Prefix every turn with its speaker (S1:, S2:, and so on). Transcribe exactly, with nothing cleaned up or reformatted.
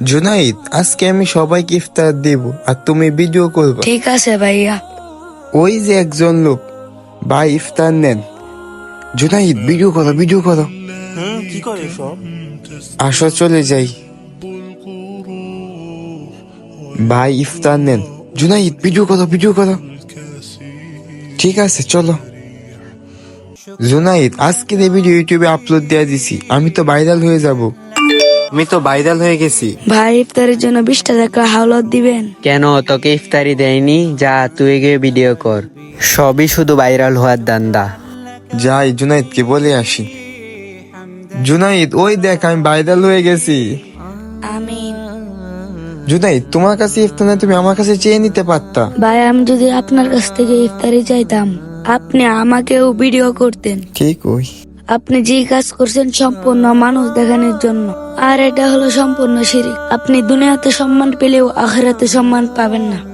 S1: জুনাইদ, আজকে আমি সবাইকে ইফতার দেব আর তুমি ভিডিও করবে।
S2: ঠিক আছে ভাইয়া।
S1: ওই যে একজন লোক, ভাই ইফতার নেন। জুনাইদ, ভিডিও করো ভিডিও করো।
S3: হুম কি করে সব?
S1: আসো চলে যাই। ভাই ইফতার নেন। জুনাইদ, ভিডিও করো ভিডিও করো। ঠিক আছে চলো। জুনাইদ, আজকের এই ভিডিও ইউটিউবে আপলোড দিয়ে দিছি, আমি তো ভাইরাল হয়ে যাব। আমি তো ভাইরাল হয়ে গেছি।
S2: ভাই ইফতারের জন্য বিশটা টাকা হাওলাত দিবেন।
S4: কেন, তোকে ইফতারি দেয়নি? যা তুই গিয়ে ভিডিও কর, সবই শুধু ভাইরাল হওয়ার দান্দা।
S1: যাই জুনাইদকে বলে আসি। জুনাইদ, ওই দেখ আমি ভাইরাল হয়ে গেছি।
S2: আমিন।
S1: জুনাইদ, তোমার কাছে ইফতার না, তুমি আমার কাছে চেয়ে নিতে পারতা।
S2: ভাই আমি যদি আপনার কাছ থেকে ইফতারি চাইতাম, আপনি আমাকেও ভিডিও করতেন।
S1: ঠিক ওই।
S2: আপনি যে কাজ করছেন সম্পূর্ণ মানুষ দেখানোর জন্য, আর এটা হলো সম্পূর্ণ শিরিক। আপনি দুনিয়াতে সম্মান পেলেও আখিরাতে সম্মান পাবেন না।